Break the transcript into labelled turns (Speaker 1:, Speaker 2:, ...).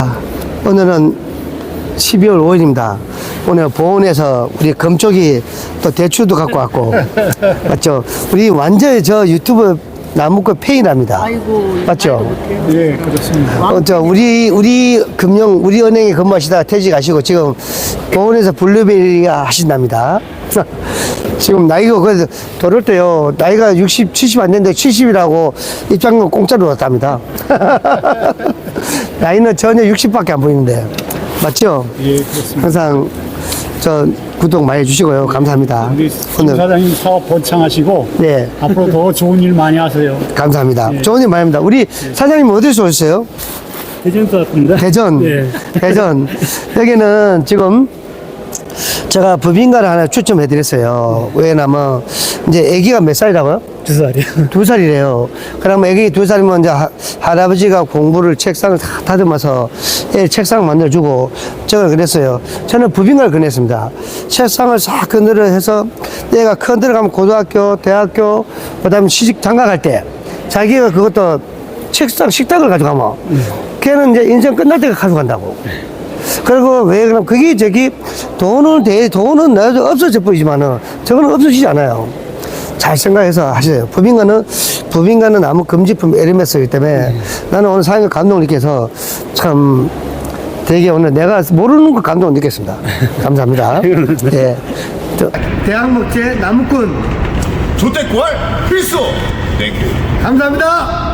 Speaker 1: 오늘은 12월 5일입니다. 오늘 보은에서 우리 금쪽이 또 대추도 갖고 왔고, 맞죠? 우리 완전히 저 유튜브 나무꾼 팬이랍니다.
Speaker 2: 아이고,
Speaker 1: 맞죠?
Speaker 3: 예, 그렇습니다.
Speaker 1: 우리 은행에 근무하시다가 퇴직하시고 지금 보은에서 블루베리 하신답니다. 지금 나이가 그래서 돌을 때요, 나이가 60, 70 안 됐는데 70이라고 입장료 공짜로 왔답니다. 나이는 전혀 60밖에 안 보이는데. 맞죠?
Speaker 3: 예, 그렇습니다.
Speaker 1: 항상 저 구독 많이 해주시고요. 감사합니다.
Speaker 3: 우리 송 사장님 사업 번창하시고
Speaker 1: 네,
Speaker 3: 앞으로 더 좋은 일 많이 하세요.
Speaker 1: 감사합니다.
Speaker 3: 예.
Speaker 1: 좋은 일 많이 합니다. 우리 사장님 어디서 오셨어요?
Speaker 3: 대전 같습니다.
Speaker 1: 대전.
Speaker 3: 예.
Speaker 1: 대전. 여기는 지금 제가 법인가를 하나 추첨해드렸어요. 왜냐면 이제 아기가 몇 살이라고요?
Speaker 3: 2살이요.
Speaker 1: 2살이래요. 그러면 애기 2살이면 이제 할아버지가 공부를 책상을 다 다듬어서 애 책상 만들어주고 제가 그랬어요. 저는 법인가를 권했습니다. 책상을 싹 건드려 해서 애가 큰 들어가면 고등학교, 대학교, 그 다음에 시집 장가갈 때 자기가 그것도 책상, 식탁을 가져가면 걔는 이제 인생 끝날 때가 가져간다고. 그리고 왜 그럼 그게 돈은 나도 없어져 버리지만은 저거는 없어지지 않아요. 잘 생각해서 하세요. 법인가는 아무 금지품 에르메스이기 때문에 나는 오늘 사장님 감동을 느껴서 참 되게 오늘 내가 모르는 거 감동을 느꼈습니다. 감사합니다. 예. 대학목재 나무꾼
Speaker 4: 조태구할 필수 땡큐
Speaker 1: 감사합니다.